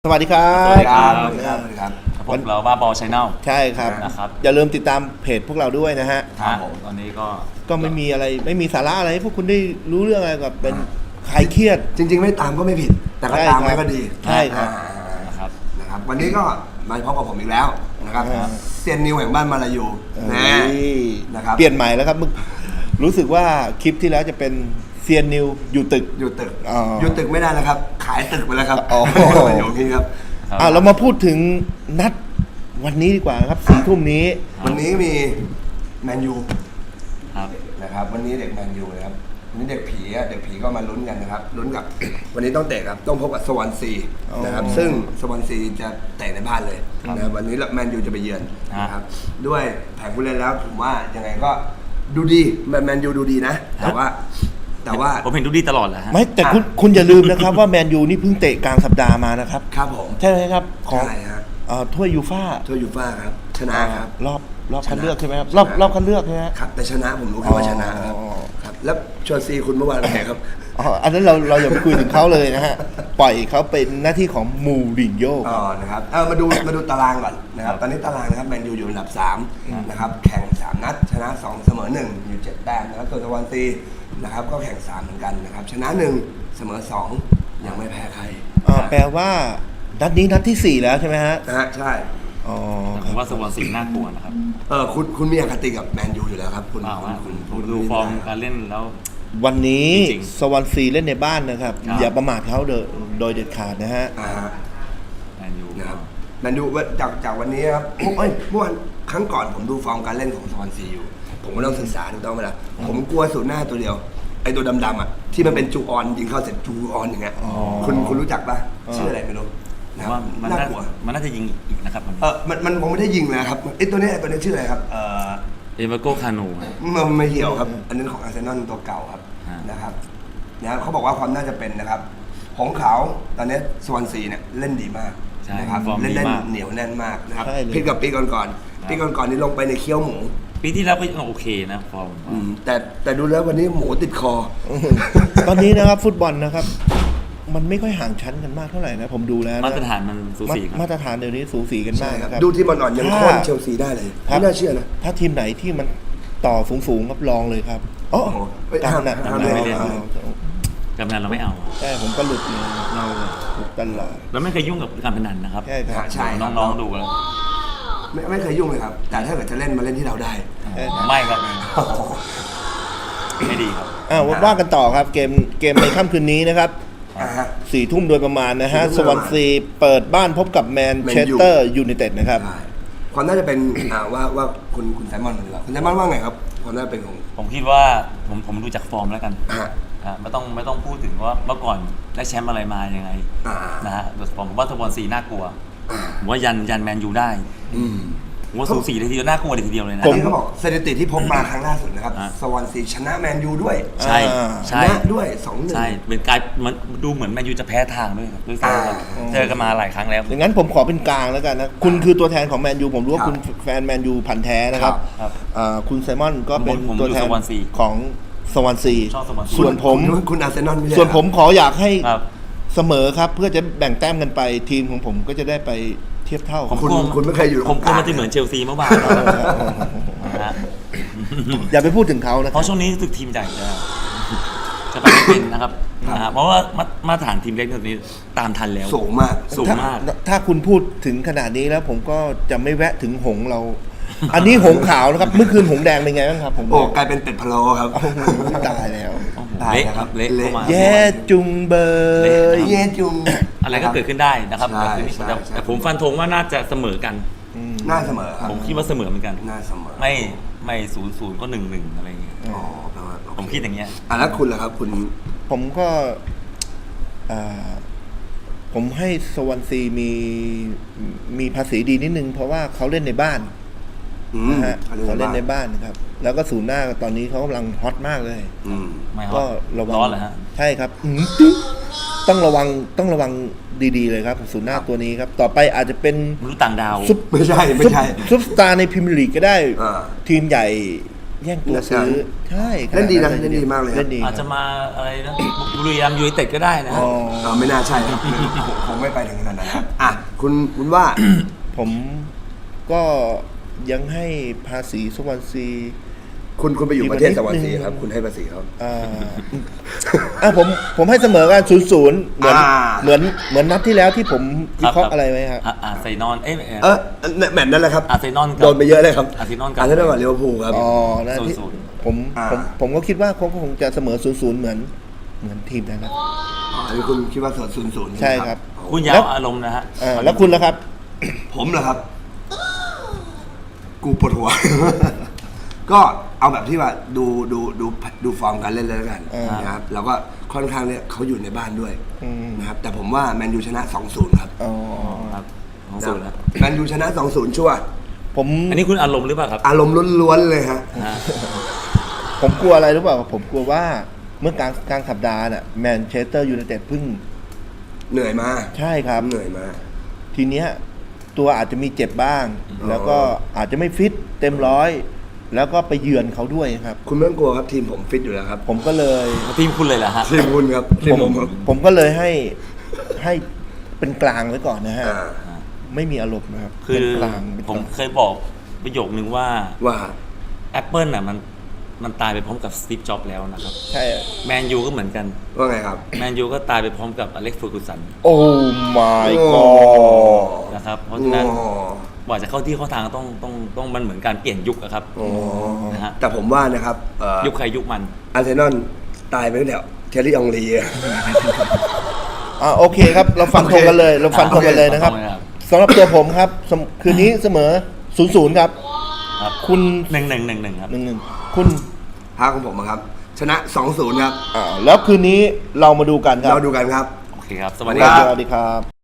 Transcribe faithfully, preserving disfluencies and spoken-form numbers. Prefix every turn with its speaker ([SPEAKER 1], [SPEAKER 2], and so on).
[SPEAKER 1] วัสดีครับ
[SPEAKER 2] สวัสดีครับสวัสดีครับสวัสดีครับพวกเราบ้าบอชแนล
[SPEAKER 1] ใช่ครับ
[SPEAKER 2] นะครับ
[SPEAKER 1] อย่าลืมติดตามเพจพวกเราด้วยนะฮะ
[SPEAKER 2] ครับผมตอนนี้ก็
[SPEAKER 1] ก็ไม่มีอะไรไม่มีสาระอะไรให้พวกคุณได้รู้เรื่องอะไรกับเป็นคลายเครียด
[SPEAKER 3] จริงๆไม่ตามก็ไม่ผิด แต่ก็ตามไว้ก็ดี
[SPEAKER 1] ใช่ครับ
[SPEAKER 3] อ่า
[SPEAKER 2] นะครับ
[SPEAKER 3] นะครับ วันนี้ก็มาพบกับผมอีกแล้วนะครับ
[SPEAKER 1] ครับ
[SPEAKER 3] เซียนนิวแห่งบ้านมาลายูนะ
[SPEAKER 1] เอ้ย
[SPEAKER 3] นะครับ
[SPEAKER 1] เปลี่ยนใหม่แล้วครับมึงรู้สึกว่าคลิปที่แล้วจะเป็นเซียนนิวอยู่ตึก
[SPEAKER 3] อยู่ตึก
[SPEAKER 1] อ๋อ
[SPEAKER 3] อยู่ตึกไม่ได้แล้วครับ ขายตึกไปแล้วครับ
[SPEAKER 1] อ๋อ
[SPEAKER 3] อยู่ที่ครับ
[SPEAKER 1] อ่าเรามาพูดถึงนัดวันนี้ดีกว่าครับสี่ทุ่มนี้
[SPEAKER 3] วันนี้มีแมนยู
[SPEAKER 2] ครับ
[SPEAKER 3] นะครับ วันนี้เด็กแมนยูนะครับวันนี้เด็กผีอะเด็กผีก็มาลุ้นกันนะครับลุ้นกับ วันนี้ต้องเตะครับต้องพบกับสวอนซีนะครับ
[SPEAKER 1] อ๋อ
[SPEAKER 3] ซึ่งสวอนซีจะเตะในบ้านเลยนะครับวันนี้แมนยูจะไปเยือนนะครับด้วยแผนผู้เล่นแล้วผมว่ายังไงก็ดูดีแมนแมนยูดูดีนะ แต่ว่าแต่ว่า
[SPEAKER 2] ผมเห็นดูดีตลอดแหละฮะ
[SPEAKER 1] ไม่แต่คุณคุณอย่าลืมนะครับว่าแมนยูนี่เพิ่งเตะกลางสัปดาห์มานะครับ
[SPEAKER 3] ครับผม
[SPEAKER 1] ใช่ไหมครับของ
[SPEAKER 3] ใช่ฮะ
[SPEAKER 1] เอ่อถ้วยยูฟ่า
[SPEAKER 3] ถ้วยยูฟ่าครับชนะครับ
[SPEAKER 1] รอบรอบ
[SPEAKER 3] ชนะ
[SPEAKER 1] คัดเลือกใช่ไหมครับ
[SPEAKER 3] ชนะ
[SPEAKER 1] รอบรอบคัดเลือกใช่ไหมฮะ
[SPEAKER 3] ครับแต่ชนะผมรู้แค่ว่าชนะครับ
[SPEAKER 1] อ๋อ
[SPEAKER 3] ครับแล้วชวนซีคุณเมื่อวานเป็นไงครับ
[SPEAKER 1] อ๋ออันนั้นเราเราอย่าไปคุยถึงเขาเลยนะฮะ ปล่อยเขาเป็นหน้าที่ของมูรินโญ่
[SPEAKER 3] อ๋อ นะครับ เออมาดู มาดูตารางก่อนนะครับ ตอนนี้ตารางนะครับ แมนยูอยู่อันดับสามนะครับ แข่งสามนัด ชนะสองเสมอหนึ่งอยู่เจ็ดแต้มนะครับตัวสวอนซีนะครับ ก็แข่งสามเหมือนกันนะครับ ชนะหนึ่งเสมอสองยังไม่แพ้ใคร
[SPEAKER 1] อ่าแปลว่านัดนี้นัดที่สี่แล้วใช่ไหมฮะ
[SPEAKER 3] นะฮะ ใช่
[SPEAKER 1] อ๋อ
[SPEAKER 2] แต่ผมว่าสวอนซีน่ากลัวนะครับ
[SPEAKER 3] เออ คุณ คุณมีอคติกับแมนยูอยู่แล้วครับ คุณ
[SPEAKER 2] เปล่า
[SPEAKER 3] คุณ
[SPEAKER 2] ฮะ
[SPEAKER 3] คุณ
[SPEAKER 2] ผมดูฟอร์มการเล่นแล้ว
[SPEAKER 1] วันนี้
[SPEAKER 2] จริงๆ
[SPEAKER 1] สวอนซีเล่นในบ้านนะครับ
[SPEAKER 2] ครับ
[SPEAKER 1] อย่าประมาทเขาโดยโดยเด็ดขาดนะฮะ
[SPEAKER 3] อ่าฮะ
[SPEAKER 2] แมนยู
[SPEAKER 3] นะครับแมนยูจาก จากวันนี้ครับเอ้ยเมื่อวันครั้งก่อนผมดูฟอร์มการเล่นของสวอนซีอยู่ ผมก็ต้องศึกษาถูกต้องไหมล่ะ ผมกลัวสูตรหน้าตัวเดียว ไอตัวดำๆอ่ะ ที่มันเป็นจูออนยิงเข้าเสร็จจูออนอย่างเงี้ย
[SPEAKER 1] อ๋อ
[SPEAKER 3] คุณคุณรู้จักปะ
[SPEAKER 1] อ๋อ
[SPEAKER 3] ชื่ออะไรไม่รู้
[SPEAKER 2] ผ
[SPEAKER 3] นะ
[SPEAKER 2] ม
[SPEAKER 3] ครั
[SPEAKER 2] ว่า
[SPEAKER 3] บ
[SPEAKER 2] มัน
[SPEAKER 3] น่า
[SPEAKER 2] น่าก
[SPEAKER 3] ลัว
[SPEAKER 2] มันน่าจะยิงอีกนะครับ
[SPEAKER 3] เออมันมันผมไม่ได้ยิงนะครับไอตัวเนี้ยไอ้ตัวเนี้ยชื่ออะไรครับเออ
[SPEAKER 2] เอเวอร์โกคานู
[SPEAKER 3] มันไม่เหี่ยวครับ อันนั้นของอาร์เซนอลตัวเก่าครับ
[SPEAKER 2] ฮะ
[SPEAKER 3] นะครับนะเขาบอกว่าความน่าจะเป็นนะครับหงขาวตอนนี้สวอนซีเนี่ยเล่นดีมาก
[SPEAKER 2] ใช่
[SPEAKER 3] นะครับ
[SPEAKER 2] ฟอร์ม
[SPEAKER 3] เล่น
[SPEAKER 2] ดี
[SPEAKER 3] เล่น
[SPEAKER 2] มาก
[SPEAKER 3] เหนียวแน่นมากนะครับ
[SPEAKER 1] ใช่เลย
[SPEAKER 3] พี่กับปีก่อนๆปีก่อนๆนี่ลงไปในเคี้ยวหมู
[SPEAKER 2] ปีที่แล้วก็ยังโอเคนะฟอร์ม
[SPEAKER 3] อืมแต่แต่ดูแล้ววันนี้หมูติดคอ
[SPEAKER 1] ตอนนี้นะครับฟุตบอลนะครับ มันไม่ค่อยห่างชั้นกันมากเท่าไหร่นะผมดูแล้วนะ
[SPEAKER 2] มาตรฐานมันสูสีครับ
[SPEAKER 1] มาตรฐานเดี๋ยวนี้สูสีกัน
[SPEAKER 3] ใช่
[SPEAKER 1] มาก
[SPEAKER 3] ครับ
[SPEAKER 1] นะครับ
[SPEAKER 3] ดูที่บอลอ่อนยัง
[SPEAKER 1] ถ้า
[SPEAKER 3] โค่นเชลซีได้เลย
[SPEAKER 1] ครับ
[SPEAKER 3] ไม่น่าเชื่อนะ
[SPEAKER 1] ถ้าทีมไหนที่มันต่อสูงๆครับลองเลยครับอ๋อ
[SPEAKER 3] โอ้โหเอ้ย
[SPEAKER 1] ตามนั้น
[SPEAKER 3] ห้าม
[SPEAKER 1] ตาม
[SPEAKER 3] ห้าม
[SPEAKER 1] นั้น
[SPEAKER 3] เล่น
[SPEAKER 1] เอา
[SPEAKER 2] กำนันเราไม่เอา
[SPEAKER 1] ใช่ผมก็หลุดเลยเราหลุดตลอด
[SPEAKER 2] เราไม่เคยยุ่งกับการพนันนะครับ
[SPEAKER 1] ใช่ครับ
[SPEAKER 3] ใช่ครับ
[SPEAKER 2] น้องๆดูแล้ว
[SPEAKER 3] ไม่ไม่เคยยุ่งเลยครับ แต่ถ้าเกิดจะเล่นมาเล่นที่เราได้
[SPEAKER 1] ใช่ครับ
[SPEAKER 2] ไม่ครับไม่ดีครับ
[SPEAKER 1] อ่าว่ากันต่อครับเกมเกมในค่ำคืนนี้นะครับ
[SPEAKER 3] อ่าฮะ
[SPEAKER 1] สี่ทุ่มโดยประมาณนะฮะ
[SPEAKER 3] สี่ทุ่ม
[SPEAKER 1] สวอนซีเปิดบ้านพบกับแมนเชสเตอร์ยูไนเต็ดนะครับ
[SPEAKER 3] ใช่ความน่าจะเป็น อ่าว่าว่าคุณคุณไซมอนดีกว่าคุณไซมอนว่าไงครับความน่าจะเป็นของ
[SPEAKER 2] ผมคิดว่าผมผมดูจากฟอร์มแล้วกัน
[SPEAKER 3] อ่า
[SPEAKER 2] อ่ะไม่ต้องไม่ต้องพูดถึงว่าเมื่อก่อนได้แชมป์อะไรมายังไง
[SPEAKER 3] อ่า
[SPEAKER 2] นะฮะผมว่าสปอนซีน่ากลัว
[SPEAKER 3] อ่า
[SPEAKER 2] ผมว่ายันยันแมนยูได้
[SPEAKER 3] อืม
[SPEAKER 2] ผมว่าสูสีเลยทีเดียวน่ากลัวเลยทีเดียวเลยนะ
[SPEAKER 3] อันนี้เขาบอกสถิติที่พบมาครั้งล่าสุดนะครับ
[SPEAKER 2] อ่ะ
[SPEAKER 3] สวอนซีชนะแมนยูด้วย
[SPEAKER 2] ใช่
[SPEAKER 1] อ่า
[SPEAKER 3] ช
[SPEAKER 2] ใช่
[SPEAKER 3] นะด้วยสองหนึ่ง
[SPEAKER 2] ใช่เป็นกลายมันดูเหมือนแมนยูจะแพ้ทางด้วยครับด้วยซ้ำครับ
[SPEAKER 3] อ่า
[SPEAKER 2] เจอกันมาหลายครั้งแล้ว
[SPEAKER 1] อย่างนั้นผมขอเป็นกลางแล้วกันนะ คุณคือตัวแทนของแมนยูผมรู้ว่า
[SPEAKER 3] ครับ
[SPEAKER 1] คุณแฟนแมนยูพันธุ์แท้นะครับ
[SPEAKER 2] ครับ
[SPEAKER 1] อ่าคุณไซมอนก็เป็น
[SPEAKER 2] ผมผม
[SPEAKER 1] ตัวแทน
[SPEAKER 2] อยู่สวอนซี
[SPEAKER 1] ของสวอนซี
[SPEAKER 2] ชอบสวอนซี
[SPEAKER 1] ส่วนผม
[SPEAKER 3] คุณคุณอาร์เซนอลไม่ใช่
[SPEAKER 1] ส่วนผมขออยากให้
[SPEAKER 2] ครับ
[SPEAKER 1] เสมอครับเพื่อจะแบ่งแต้มกันไปทีมของผมก็จะได้ไปเทียบเท่า
[SPEAKER 3] คุณคุณไม่เคยอยู่
[SPEAKER 2] ผมกลัวมันจะ
[SPEAKER 3] ตรงกลาง
[SPEAKER 2] เหมือนเชลซีเมื่อวานนะฮะ
[SPEAKER 1] อย่าไปพูดถึงเขานะ
[SPEAKER 2] เพราะช่วงนี้รู้สึกทีมใหญ่จะจะไปไม่เป็นนะครับนะฮะเพราะว่ามามาตรฐานทีมเล็กตอนนี้ตามทันแล้ว
[SPEAKER 3] สูงมาก
[SPEAKER 2] สูง
[SPEAKER 1] ถ้าม
[SPEAKER 2] าก
[SPEAKER 1] ถ้าคุณพูดถึงขนาดนี้แล้ว ผมก็จะไม่แวะถึงหงส์เรา อันนี้หงส์ขาวนะครับเมื่อคืนหงส์แดงเป็นไงบ้างครับผม
[SPEAKER 3] โอ้กลายเป็นเป็ดพะโล้ครับ
[SPEAKER 1] โอ้โหตายแล้ว
[SPEAKER 3] ตาย
[SPEAKER 2] เละ
[SPEAKER 3] นะ
[SPEAKER 2] ค
[SPEAKER 3] ครั
[SPEAKER 2] รับบ เละเข้ามา
[SPEAKER 1] แย่จุงเบย
[SPEAKER 2] เละ
[SPEAKER 3] เย่จุง
[SPEAKER 2] อะไรก็เกิดขึ้นได้นะครับ
[SPEAKER 3] ใช่
[SPEAKER 2] แต่
[SPEAKER 3] ใช่
[SPEAKER 2] แต่
[SPEAKER 3] ใช่
[SPEAKER 2] แต่ผมฟันธงว่าน่าจะเสมอกัน
[SPEAKER 3] หน้าเสมอครับ
[SPEAKER 2] ผมคิดว่าเสมอเหมือนกัน
[SPEAKER 3] หน้าเสมอ
[SPEAKER 2] ไม่ไม่ศูนย์ศูนย์ก็หนึ่งหนึ่งอะไรอย่างเงี้ย
[SPEAKER 3] อ๋อแปลว่าโอ
[SPEAKER 2] ผมคิดอย่างเงี้ย
[SPEAKER 3] อ่ะแล้วคุณล่ะครับ คุณ
[SPEAKER 1] ผมก็อ่าผมให้สวอนซีมีมีภาษีดีนิดนึง เพราะว่าเขาเล่นในบ้าน
[SPEAKER 3] อืม
[SPEAKER 1] นะฮะ
[SPEAKER 3] เขา
[SPEAKER 1] เขา
[SPEAKER 3] เล่
[SPEAKER 1] เล่
[SPEAKER 3] น
[SPEAKER 1] น
[SPEAKER 3] ใน
[SPEAKER 1] ใน
[SPEAKER 3] บ้าน
[SPEAKER 1] บ้านนะครับ แล้วก็ศูนย์หน้าตอนนี้เขากำลังฮอตมากเลย
[SPEAKER 3] อืม
[SPEAKER 2] ไม่ฮอ
[SPEAKER 1] ก็
[SPEAKER 2] ต
[SPEAKER 1] ระวัง
[SPEAKER 2] ร้อนเหรอฮะ
[SPEAKER 1] ใช่ครับอื้อหือต้องระวังต้องระวังดีๆเลยครับศูนย์หน้าตัวนี้ครับ ต่อไปอาจจะเป็น
[SPEAKER 2] มนุษย์ต่างดาว
[SPEAKER 1] ซุป
[SPEAKER 3] ไม่ใช่ไม่ใช่
[SPEAKER 1] ซุปซุปสตาร์ในพรีเมียร์ลีกก็ได้
[SPEAKER 3] อ่า
[SPEAKER 1] ทีมใหญ่แย่งตัวซื้อ ใช่ข
[SPEAKER 3] เล่นดีนะ
[SPEAKER 1] ขา
[SPEAKER 3] เล่นดีมากเลยครับ
[SPEAKER 1] เล่นดี
[SPEAKER 2] อาจ
[SPEAKER 1] ค
[SPEAKER 2] จะ
[SPEAKER 1] รับ
[SPEAKER 2] มาอะไรนะบุรีรัมย์ยูไนเต็ดก็ได้นะ
[SPEAKER 1] อ๋
[SPEAKER 2] ฮะ
[SPEAKER 1] อ
[SPEAKER 3] อ่าไม่น่าใช่ครับคงไม่ไปถึงขนาดนั้นครับอ่ะคุณคุณว่า
[SPEAKER 1] ผมก็ยังให้ภาษีสวรรค์ซี
[SPEAKER 3] คุณคุณไปอยู่ประเทศสวรรค์ซี
[SPEAKER 1] นิดนึง
[SPEAKER 3] ครับ คุณให้ภาษีเขา
[SPEAKER 1] อ่าอ่ะผมผมให้เสมอกันศูนย์ศูนย์เหมือน
[SPEAKER 3] อ่า
[SPEAKER 1] เหมือนเหมือนนัดที่แล้วที่ผมวิเคราะห์อะไรไว้ครับ
[SPEAKER 2] อ่ะอาร์เซนอลเอ้ย
[SPEAKER 3] เออแมตช์นั้นแหละครับ
[SPEAKER 2] อาร์เซนอลกับ
[SPEAKER 3] โดนไปเยอะเลยครับ
[SPEAKER 2] อาร์เซนอลกับ
[SPEAKER 3] อาร์เซนอลกับลิเวอร์พูลครับ
[SPEAKER 1] อ๋อนะที่
[SPEAKER 2] ศูนย์ศูนย์
[SPEAKER 1] ผม
[SPEAKER 3] อ่า
[SPEAKER 1] ผมผมก็คิดว่าเขาก็คงจะเสมอศูนย์ศูนย์เหมือนเหมือนทีมนั้นนะ
[SPEAKER 3] อ๋ออันนี้คุณคิดว่าศูนย์ศูนย์
[SPEAKER 1] ใช่ครับ
[SPEAKER 2] คุณยา
[SPEAKER 1] แล้ว ว
[SPEAKER 2] อารมณ์นะฮะ
[SPEAKER 1] อ่าแล้วคุณล่ะครับ
[SPEAKER 3] ผมเหรอครับ กูปวดหัว ก็เอาแบบที่ว่าดูดูดูดูฟอร์มการเล่นเลยแล้วกัน
[SPEAKER 1] อ่าน
[SPEAKER 3] นะครับแล้วก็ค่อนข้างเนี่ยเขาอยู่ในบ้านด้วย
[SPEAKER 1] อืม
[SPEAKER 3] นะครับแต่ผมว่าแมนยูชนะ สองศูนย์ ครับ
[SPEAKER 1] อ๋อ
[SPEAKER 2] ครับของศูนย์แล้ว
[SPEAKER 3] แมนยูชนะ สองศูนย์ ชัวร์
[SPEAKER 1] ผม
[SPEAKER 2] อันนี้คุณอารมณ์หรือเปล่าครับ
[SPEAKER 3] อารมณ์ล้วนๆเลยฮะ
[SPEAKER 2] ฮะ
[SPEAKER 1] ผมกลัวอะไรรู้เปล่าผมกลัวว่าเมื่อกลางกลางสัปดาห์น่ะแมนเชสเตอร์ยูไนเต็ดเพิ่ง
[SPEAKER 3] เหนื่อยมา
[SPEAKER 1] ใช่ครับ
[SPEAKER 3] เหนื่อยมา
[SPEAKER 1] ทีเนี้ยตัวอาจจะมีเจ็บบ้าง
[SPEAKER 3] อ๋อ
[SPEAKER 1] แล้วก็อาจจะไม่ฟิตเต็มร้อย แล้วก็ไปเยือนเขาด้วยครับ
[SPEAKER 3] คุณไม่ต้องกลัวครับทีมผมฟิตอยู่แล้วครับ
[SPEAKER 1] ผมก็เลย
[SPEAKER 2] ทีมคุณเลยเหรอฮะ
[SPEAKER 3] ทีมคุณครับทีม
[SPEAKER 1] ผม
[SPEAKER 3] ผมครับ
[SPEAKER 1] ผมก็เลยให้ให้เป็นกลางไว้ก่อนนะฮะ
[SPEAKER 3] อ่า
[SPEAKER 1] ไม่มีอารมณ์นะครับ
[SPEAKER 2] คือ
[SPEAKER 1] เป็นกลางเป็น
[SPEAKER 2] ผ
[SPEAKER 1] ก
[SPEAKER 2] ม
[SPEAKER 1] ลาง
[SPEAKER 2] เคยบอกประโยคนึงว่า
[SPEAKER 3] ว่า
[SPEAKER 2] Apple น่ะมันมันตายไปพร้อมกับสตีฟจ็อบส์แล้วนะครับ
[SPEAKER 1] ใช่
[SPEAKER 2] แมนยูก็เหมือนกัน
[SPEAKER 3] ว่าไงครับ
[SPEAKER 2] แมนยูก็ตายไปพร้อมกับอเล็กซ์เฟอร์กูสัน
[SPEAKER 1] โอ้ my
[SPEAKER 3] โอ้
[SPEAKER 1] god
[SPEAKER 2] นะครับเพราะฉะนั้น
[SPEAKER 3] โอ้
[SPEAKER 2] กว่าจะเข้าที่เข้าทางต้องต้องต้องมันเหมือนการเปลี่ยนยุคอะครับ
[SPEAKER 3] โอ้
[SPEAKER 2] นะฮะ
[SPEAKER 3] แต่ผมว่านะครับเอ่อ
[SPEAKER 2] ยุคใครยุคมัน
[SPEAKER 3] อาร์เซนอลตายไปตั้งแต่เทอร์รี่อองลีอะ
[SPEAKER 1] อ่าโอเคครับ เราฟันธงกันเลย เราฟันธงกันเลยนะครับ
[SPEAKER 2] โอเคครับ
[SPEAKER 1] สำหรับตัวผมครับสำคืนนี้เสมอศูนย์ศูนย์ครับ
[SPEAKER 2] ครับ
[SPEAKER 1] คุณ
[SPEAKER 2] หนึ่งหนึ่งหนึ่งหนึ่งครับ
[SPEAKER 1] หนึ่งหนึ่งคุณ
[SPEAKER 3] ภาคของผมอะครับ ชนะ สองศูนย์ ครับ
[SPEAKER 1] อ่าแล้วคืนนี้เรามาดูกันครับ
[SPEAKER 3] เราดูกันครับ
[SPEAKER 2] โอเคครับ สวั
[SPEAKER 3] สวั
[SPEAKER 2] ส
[SPEAKER 3] สดี
[SPEAKER 2] ดี
[SPEAKER 3] ค
[SPEAKER 2] ค
[SPEAKER 3] รั
[SPEAKER 2] รับ
[SPEAKER 1] สวัสดีครับ